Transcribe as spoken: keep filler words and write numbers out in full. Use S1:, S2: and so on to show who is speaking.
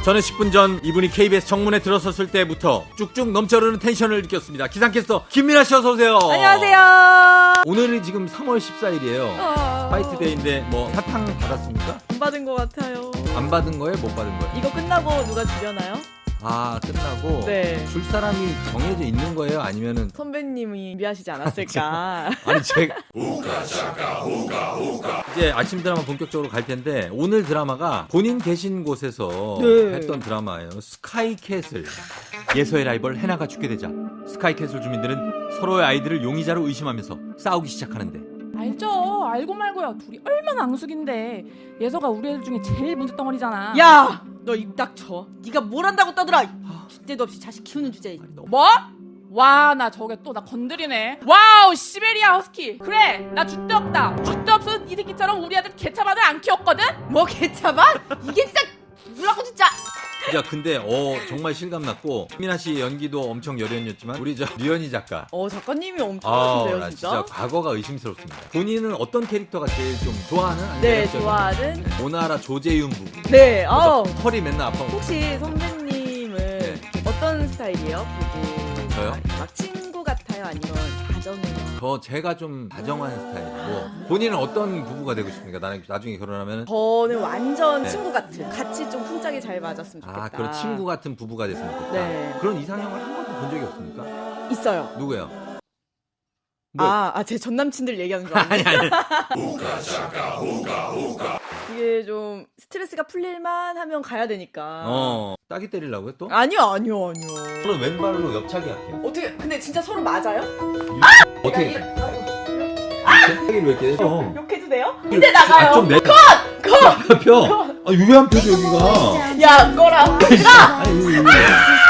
S1: 저는 십 분 전 이분이 케이비에스 정문에 들어섰을 때부터 쭉쭉 넘쳐흐르는 텐션을 느꼈습니다. 기상캐스터 김민아 씨 어서 오세요.
S2: 안녕하세요.
S1: 오늘은 지금 삼월 십사일이에요.
S2: 어...
S1: 화이트데이인데 뭐 사탕 받았습니까?
S2: 안 받은 것 같아요.
S1: 안 받은 거예요? 못 받은 거예요?
S2: 이거 끝나고 누가 주려나요?
S1: 아 끝나고
S2: 네.
S1: 줄 사람이 정해져 있는 거예요? 아니면은
S2: 선배님이 준비하시지 않았을까?
S1: 아니 제가 이제 아침 드라마 본격적으로 갈 텐데 오늘 드라마가 본인 계신 곳에서
S2: 네.
S1: 했던 드라마예요. 스카이캐슬. 예서의 라이벌 해나가 죽게 되자 스카이캐슬 주민들은 서로의 아이들을 용의자로 의심하면서 싸우기 시작하는데
S3: 알죠. 알고 말고요. 둘이 얼마나 앙숙인데. 예서가 우리 애들 중에 제일 문제덩어리잖아.
S2: 야! 너 입 닥쳐. 네가 뭘 한다고 떠들어. 줏대도 없이 자식 키우는 주제에.
S3: 뭐? 와, 나 저게 또 나 건드리네. 와우, 시베리아 허스키. 그래, 나 줏대 없다. 줏대 없어서 이 새끼처럼 우리 아들 개차반을 안 키웠거든?
S2: 뭐 개차반? 이게 진짜 뭐라고 진짜.
S1: 야 근데 어 정말 실감났고 민아 씨 연기도 엄청 여련이었지만 우리 저 류현희 작가
S2: 어 작가님이 엄청
S1: 아,
S2: 하신데요
S1: 나
S2: 진짜?
S1: 진짜 과거가 의심스럽습니다. 본인은 어떤 캐릭터가 제일 좀 좋아하는? 아니면
S2: 네
S1: 매력적인?
S2: 좋아하는
S1: 오나라 조재윤 부부.
S2: 네 아우
S1: 털이 맨날 아파.
S2: 혹시 선배님은
S1: 네.
S2: 어떤 스타일이에요? 부부
S1: 저요?
S2: 막 친구 같아요? 아니면 다정해요?
S1: 저 제가 좀 다정한 스타일이고 본인은 어떤 부부가 되고 싶습니까? 나는 나중에 결혼하면
S2: 저는 완전
S1: 네.
S2: 친구 같은 같이 좀 풍짝이 잘 맞았으면 좋겠다.
S1: 아 그런 친구 같은 부부가 됐으면 좋겠다.
S2: 네.
S1: 그런 이상형을 한 번도 본 적이 없습니까?
S2: 있어요.
S1: 누구요? 뭐?
S2: 아, 아, 제 전 남친들 얘기하는 줄 알았는데.
S1: 아니 아니.
S2: 이게 좀 스트레스가 풀릴만 하면 가야 되니까.
S1: 어 따기 때리려고요 또?
S2: 아니요, 아니요, 아니요.
S1: 저는 왼발로 옆차기 할게요.
S2: 어떻게? 근데 진짜 서로 맞아요?
S1: 어떻게? 이렇게? 왜 이렇게? 어.
S2: 욕해도 돼요? 이제 나가요.
S1: 아, 좀 내. 컷! 컷! 펴! 아, 유해한 표죠, 여기가.
S2: 야, 꺼라.
S1: 아니, 이거, 이거.